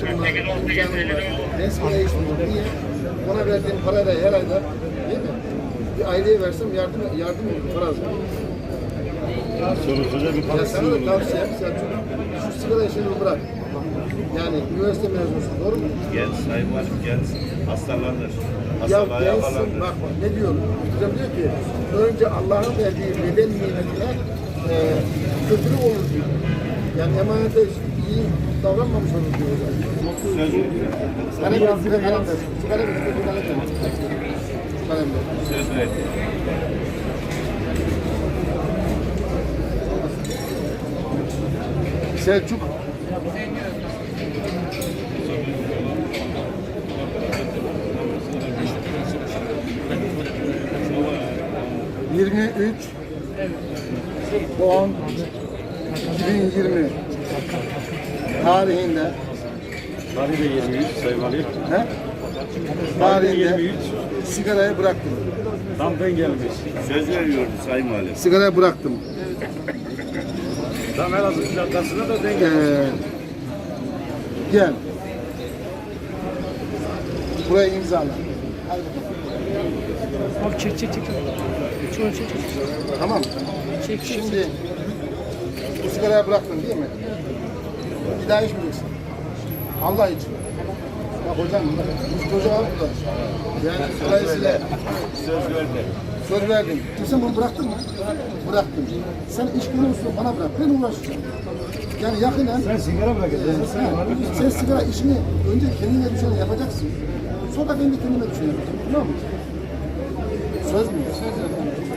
maaşım var, imkanım var. Ben sigara içmiyorum. Niye? Ona verdiğim parayla her ayda, değil mi? Bir aileye versem yardım olur, para az. Sorusuza bir Ya parası sana da olur. tavsiyem, Selçuk, şu sigara işini bırak. Yani üniversite mezunusun, doğru mu? Genç sayın valim genç hastalanır. Ya Hastalığa gelsin, yakalanır. bak ne diyor? Hocam diyor ki, önce Allah'ın verdiği beden nimetine kötülük olur diyor. Yani emanete iyi davranmamış olur diyor hocam. Söz veriyor. Kalem ver, kalem ver. Kalem ver, kalem ver. Söz veriyor. Selçuk. ...23... ...10... ...2020... ...tarihinde... Tarihi de 23 sayın valim. ...he? ...tarihinde... 23. ...sigarayı bıraktım. Tam ben gelmiş. Söz veriyordu sayın valim. Sigarayı bıraktım. Tam Elazığ plakasına da denk gelmiş. Gel. Buraya imzala. Abi çek. Şöyle çek. Tamam. Çek. Şimdi bu sigarayı bıraktın değil mi? Bir daha içmeyeceksin. Allah için. Ya hocam, biz çocuğa burada. Yani dolayısıyla Söz verdi. söz verdim. Sen bunu bıraktın mı? Bıraktım. Sen iş konusunu bana bırak. Ben uğraşacağım. Yani yakinen... Sen sigara bırakacaksın. Sen sigara işini önce kendine düşeni yapacaksın. Sonra ben de kendime düşeni yapacağım. Tamam mı? Söz mü? Söz.